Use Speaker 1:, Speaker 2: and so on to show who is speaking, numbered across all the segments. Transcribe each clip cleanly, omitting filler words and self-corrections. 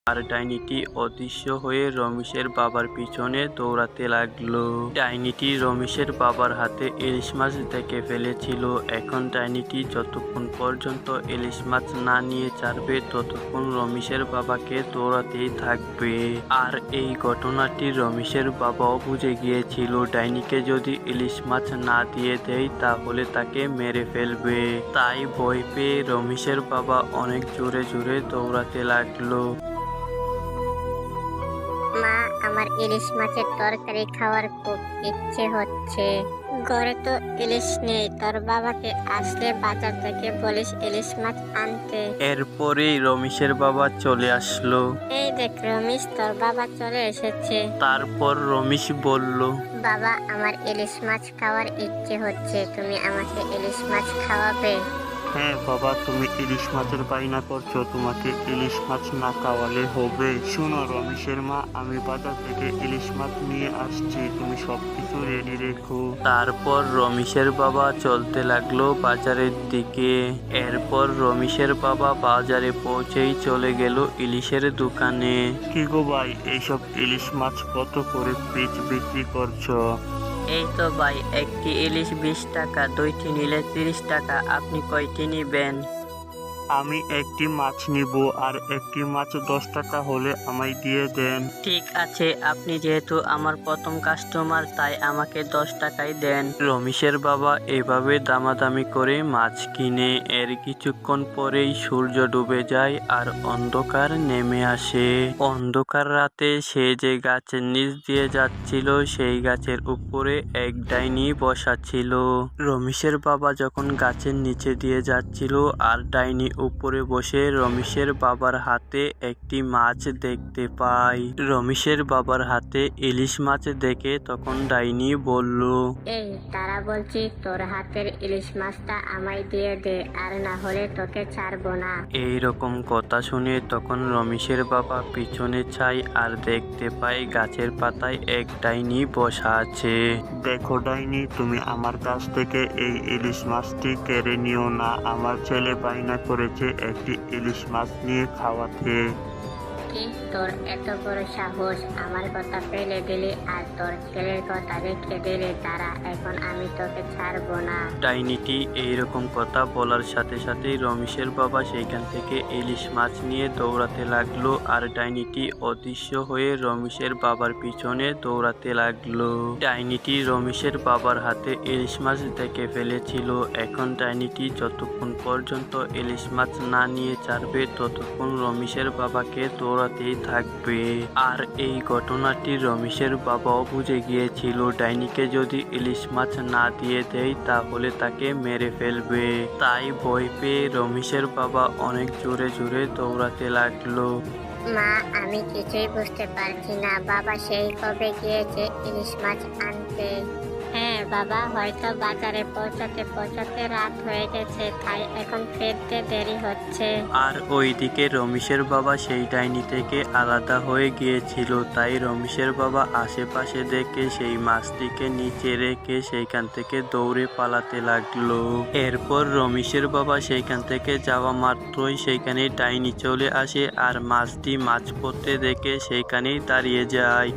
Speaker 1: আর ডাইনিটি অদৃশ্য হয়ে রমেশের বাবার পিছনে দৌড়াতে লাগলো। ডাইনিটি রমেশের বাবার হাতে ইলিশ মাছ দেখে ফেলেছিল। এখন ডাইনিটি যতক্ষণ পর্যন্ত ইলিশ মাছ না নিয়ে ছাড়বে ততক্ষণ রমেশের বাবাকে দৌড়াতেই থাকবে। আর এই ঘটনাটি রমেশের বাবাও বুঝে গিয়েছিল ডাইনিকে যদি ইলিশ মাছ না দিয়ে দেয় তাহলে তাকে মেরে ফেলবে। তাই ভয় পেয়ে রমেশের বাবা অনেক জোরে জোরে দৌড়াতে লাগলো।
Speaker 2: মা, আমার ইলিশ মাছের তরকারি খাওয়ার খুব ইচ্ছে হচ্ছে। ঘরে তো ইলিশ নেই, তোর বাবাকে আসলে বাজার থেকে বলিস ইলিশ মাছ আনতে।
Speaker 1: এরপরেই রমেশের বাবা চলে আসলো।
Speaker 2: এই দেখ রমেশ, তোর বাবা চলে এসেছে।
Speaker 1: তারপর রমেশ বলল,
Speaker 2: বাবা, আমার ইলিশ মাছ খাওয়ার ইচ্ছে হচ্ছে, তুমি আমাকে ইলিশ মাছ খাওয়াবে?
Speaker 1: হ্যাঁ বাবা, তুমি ইলিশ মাছের বায়না করছো, তোমাকে ইলিশ মাছ না খাওয়ালে হবে। শোনো রমেশের মা, আমি বাজার থেকে ইলিশ মাছ নিয়ে আসছি, তুমি সবকিছু রেডি রেখো। তারপর রমেশের বাবা চলতে লাগলো বাজারের দিকে। এরপর রমেশের বাবা বাজারে পৌঁছেই চলে গেল ইলিশের দোকানে। কি গো ভাই, এইসব ইলিশ মাছ কত করে পিস বিক্রি করছো?
Speaker 3: এই তো ভাই, একটি ইলিশ 20 টাকা, দুইটি নিলে 30 টাকা। আপনি কয়টি নিবেন?
Speaker 1: আমি একটি মাছ নিব, আর একটি মাছ 10 টাকা হলে আমায় দিয়ে দেন।
Speaker 3: ঠিক আছে, আপনি যেহেতু আমার প্রথম কাস্টমার তাই আমাকে 10 টাকাই দেন।
Speaker 1: রমেশের বাবা এভাবে দামাদামি করে মাছ কিনে। এর কিছুক্ষণ পরেই সূর্য ডুবে যায় আর অন্ধকার নেমে আসে। অন্ধকার রাতে সে যে গাছের নিচ দিয়ে যাচ্ছিল সেই গাছের উপরে এক ডাইনি বসা ছিল। রমেশের বাবা যখন গাছের নিচে দিয়ে যাচ্ছিল আর ডাইনি উপরে বসে রমেশের বাবার হাতে একটি মাছ দেখতে পায়। রমেশের বাবার হাতে ইলিশ মাছ দেখে তখন ডাইনি বলল,
Speaker 2: এই তারা বলছি, তোর হাতের ইলিশ মাছটা আমায় দিয়ে দে, আর না হলে তোকে ছাড়বো না।
Speaker 1: এই রকম কথা শুনে তখন রমেশের বাবা পিছনে চায় আর দেখতে পায় গাছের পাতায় এক ডাইনি বসা আছে। দেখো ডাইনি, তুমি আমার কাছ থেকে এই ইলিশ মাছটি কেড়ে নিও না, আমার ছেলে বায়না করেছে একটি ইলিশ মাছ নিয়ে খাওয়াতে।
Speaker 2: কি, তোর এত বড় সাহস? আমার কথা ফেলে দিলি আর তোর ছেলের কথা রেখে দিলি, তারা এখন আমি তোকে ছাড়বো না।
Speaker 1: ডাইনিটি এইরকম কথা বলার সাথে সাথেই রমেশের বাবা সেইখান থেকে ইলিশ মাছ নিয়ে দৌড়াতে লাগলো আর ডাইনিটি অদৃশ্য হয়ে রমেশের বাবার পিছনে দৌড়াতে লাগলো। ডাইনিটি রমেশের বাবার হাতে ইলিশ মাছ দেখে ফেলেছিল। এখন ডাইনিটি যতক্ষণ পর্যন্ত ইলিশ মাছ না নিয়ে ছাড়বে ততক্ষণ রমেশের বাবাকে দৌড়াতেই থাকবে। আর এই ঘটনাটি রমেশের বাবাও বুঝে গিয়েছিল ডাইনিকে যদি ইলিশ মাছ না দিয়ে দেয় তাহলে তাকে মেরে ফেলবে। তাই ভয় পেয়ে রমেশের বাবা অনেক জোরে জোরে দৌড়াতে লাগলো।
Speaker 2: মা, আমি কিছুই বুঝতে পারছি না, বাবা সেই কবে গিয়েছে ইলিশ মাছ আনতে। হ্যাঁ বাবা, হয়তো বাজারে পৌঁছাতে পৌঁছাতে রাত হয়ে গেছে, তাই এখন ফিরতে দেরি হচ্ছে।
Speaker 1: আর ওইদিকে রমেশের বাবা সেই ডাইনি থেকে আলাদা হয়ে গিয়েছিল, তাই রমেশের বাবা আশেপাশে দেখে সেই মাছটিকে নিচে রেখে সেইখান থেকে দৌড়ে পালাতে লাগলো। এরপর রমেশের বাবা সেইখান থেকে যাওয়া মাত্রই সেইখানে ডাইনি চলে আসে আর মাছটি মাছ পড়তে দেখে সেইখানেই দাঁড়িয়ে যায়।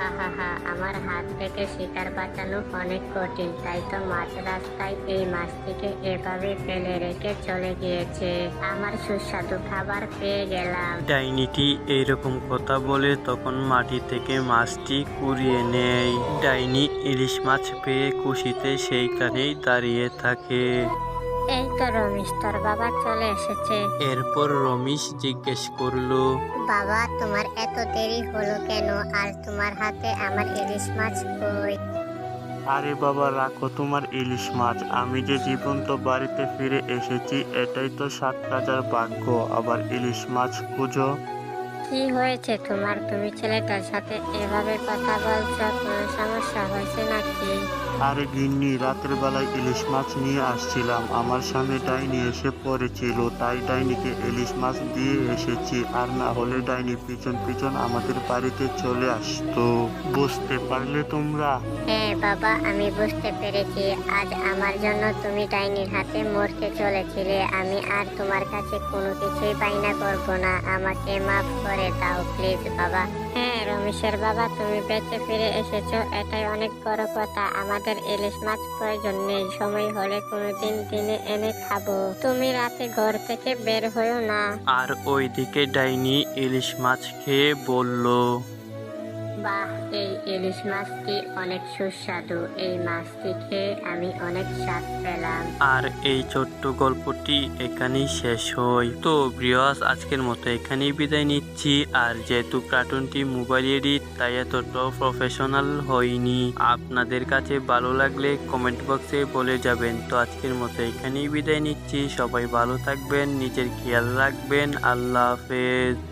Speaker 2: আমার হাত থেকে শিকার বাঁচানো অনেক কঠিন, তাই তো মাঝ রাস্তায় এই মাছটিকে এভাবে ফেলে রেখে চলে গিয়েছে। আমার সুস্বাদু খাবার পেয়ে গেলাম।
Speaker 1: ডাইনিটি এইরকম কথা বলে তখন মাটি থেকে মাছটি কুড়িয়ে নেয়। ডাইনি ইলিশ মাছ পেয়ে খুশিতে সেইখানেই দাঁড়িয়ে থাকে।
Speaker 2: এই তো রমেশ, তোর বাবা চলে এসেছে।
Speaker 1: এরপর রমেশ জিজ্ঞেস করলো,
Speaker 2: বাবা, তোমার এত দেরি হলো কেন? আর তোমার হাতে আমার ইলিশ মাছ কই?
Speaker 1: আরে বাবা, রাখো তোমার ইলিশ মাছ, আমি যে জীবন্ত বাড়িতে ফিরে এসেছি এটাই তো 7 রাজার ভাগ্য, আবার ইলিশ মাছ খুঁজো।
Speaker 2: কি হয়েছে তোমার? তুমি ছেলেটার সাথে এভাবে কথা বলছো, কোনো সমস্যা হয়েছে নাকি?
Speaker 1: আরে গিন্নি, রাতের বেলায় ইলিশ মাছ নিয়ে আসছিলাম, আমার সামনে ডাইনি এসে পড়েছিল, তাই ডাইনিকে ইলিশ মাছ দিয়ে এসেছি, আর না হলে ডাইনি পিছন পিছন আমাদের বাড়িতে চলে আসতো। বুঝতে পারলে তোমরা?
Speaker 2: হ্যাঁ বাবা, আমি বুঝতে পেরেছি আজ আমার জন্য তুমি ডাইনির হাতে মরতে চলেছিলে। আমি আর তোমার কাছে কোনো কিছুই বায়না করব না, আমাকে মাফ করে দাও প্লিজ বাবা। হ্যাঁ রমেশের বাবা, তুমি বেঁচে ফিরে এসেছো, এটাই অনেক বড় কথা। আমাদের ইলিশ মাছ প্রয়োজন নেই, সময় হলে কোনোদিন দিনে এনে খাবো। তুমি রাতে ঘর থেকে বের হয়েও না।
Speaker 1: আর ওইদিকে ডাইনি ইলিশ মাছ খেয়ে বলল,
Speaker 2: বাহ, এই ইলিশ মাছটি অনেক সুস্বাদু। এই মাছটি খেয়ে আমি অনেক স্বাদ পেলাম।
Speaker 1: আর এই ছোট্ট গল্পটি এখানেই শেষ হয়। তো ভিউয়ার্স, আজকের মতো এখানেই বিদায় নিচ্ছি। আর যেহেতু কার্টুনটি মোবাইল এডিট, তাই এতটাও প্রফেশনাল হয়নি। আপনাদের কাছে ভালো লাগলে কমেন্ট বক্সে বলে যাবেন। তো আজকের মতো এখানেই বিদায় নিচ্ছি। সবাই ভালো থাকবেন, নিজের খেয়াল রাখবেন। আল্লাহ হাফেজ।